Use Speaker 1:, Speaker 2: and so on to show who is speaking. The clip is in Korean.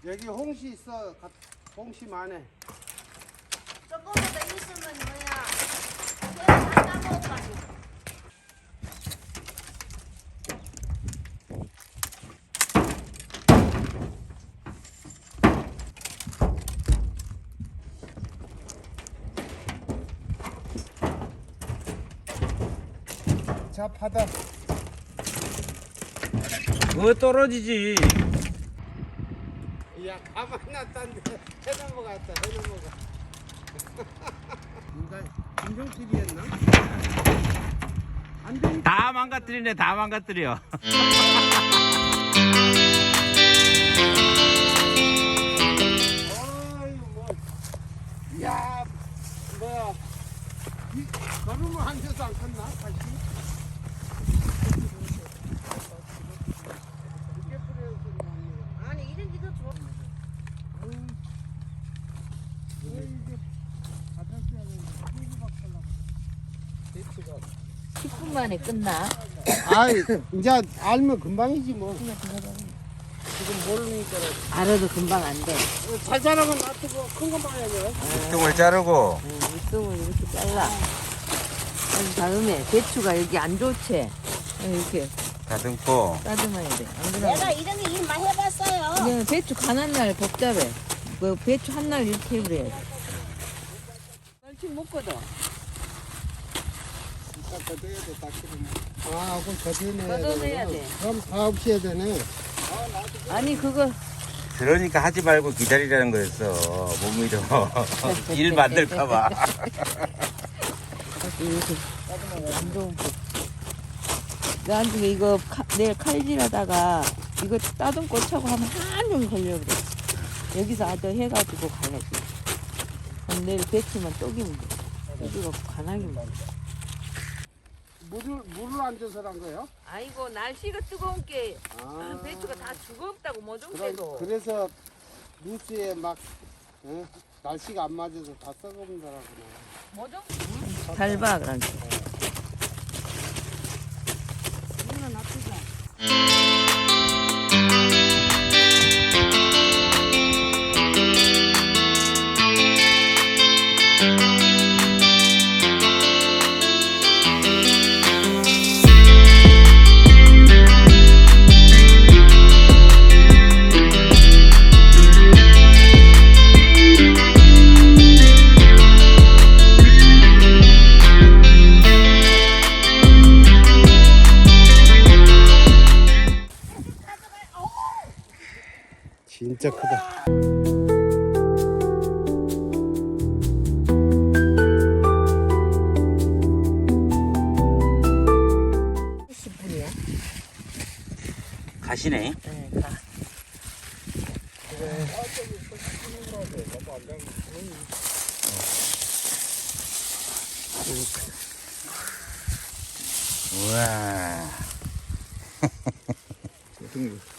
Speaker 1: 여기 홍시 있어. 홍시 많네.
Speaker 2: 조금만 더 있으면 뭐야? 다 따먹어가지고.
Speaker 1: 자, 바다.
Speaker 3: 그거 떨어지지.
Speaker 1: 야, 가만 놨다는데 해 넘어갔다. 해 넘어가. 인간 김정필이었나? 안 되니까.
Speaker 3: 다 망가뜨리네, 다 망가뜨려.
Speaker 1: 어이 뭐. 야, 뭐야. 이 걸음을 한 대도 안 컸나? 다시. 이렇게 뿌려서 나왔네.
Speaker 2: 아니 이런 게 더 좋아.
Speaker 1: 왜 이게 바닥이야 되는데 후루박 하려고. 대추가.
Speaker 2: 10분 만에 끝나.
Speaker 1: 아이, 이제 알면 금방이지 뭐. 지금 모르니까.
Speaker 2: 알아도 금방 안 돼.
Speaker 1: 잘 자라면 놔두고 큰 거 봐야죠.
Speaker 3: 똥을 자르고.
Speaker 2: 밑동을 이렇게 잘라. 그럼 다음에 배추가 여기 안 좋지. 이렇게
Speaker 3: 다듬고.
Speaker 2: 따듬어야 돼. 안 그러면
Speaker 4: 내가 이런 게 일 많이 해봤어요.
Speaker 2: 그냥 배추 가난 날 복잡해. 그 배추 한 날 이렇게 해버려야 돼. 멸치 못 걷어.
Speaker 1: 딱 걷어야 돼, 딱 그러면. 아, 그럼 걷어내야 돼.
Speaker 2: 걷어내야 돼.
Speaker 1: 그럼 다 없이 해야 되네.
Speaker 2: 아니 그거
Speaker 3: 그러니까 하지 말고 기다리라는 거였어. 못 믿어. 일 만들까봐.
Speaker 2: 이렇게 안 좋은 거. 나한테 이거 내일 칼질하다가 이거 따듬고 차고 하면 한종일 걸려 그래. 여기서 아주 해가지고 가야지. 그럼 내일 배추만 쪼기면 돼. 쪼기고 간하기만 돼.
Speaker 1: 물을 안 줘서 한 거예요?
Speaker 2: 아이고 날씨가 뜨거운 게
Speaker 1: 아,
Speaker 2: 배추가 다 죽었다고 뭐 좀
Speaker 1: 그래서 뉴스에 막 날씨가 안 맞아서 다 썩어본다라고.
Speaker 2: 뭐좀 밟아 그러니까.
Speaker 1: 진짜 크다.
Speaker 3: 가시네.
Speaker 2: 네, 가.
Speaker 3: 우와.
Speaker 1: 등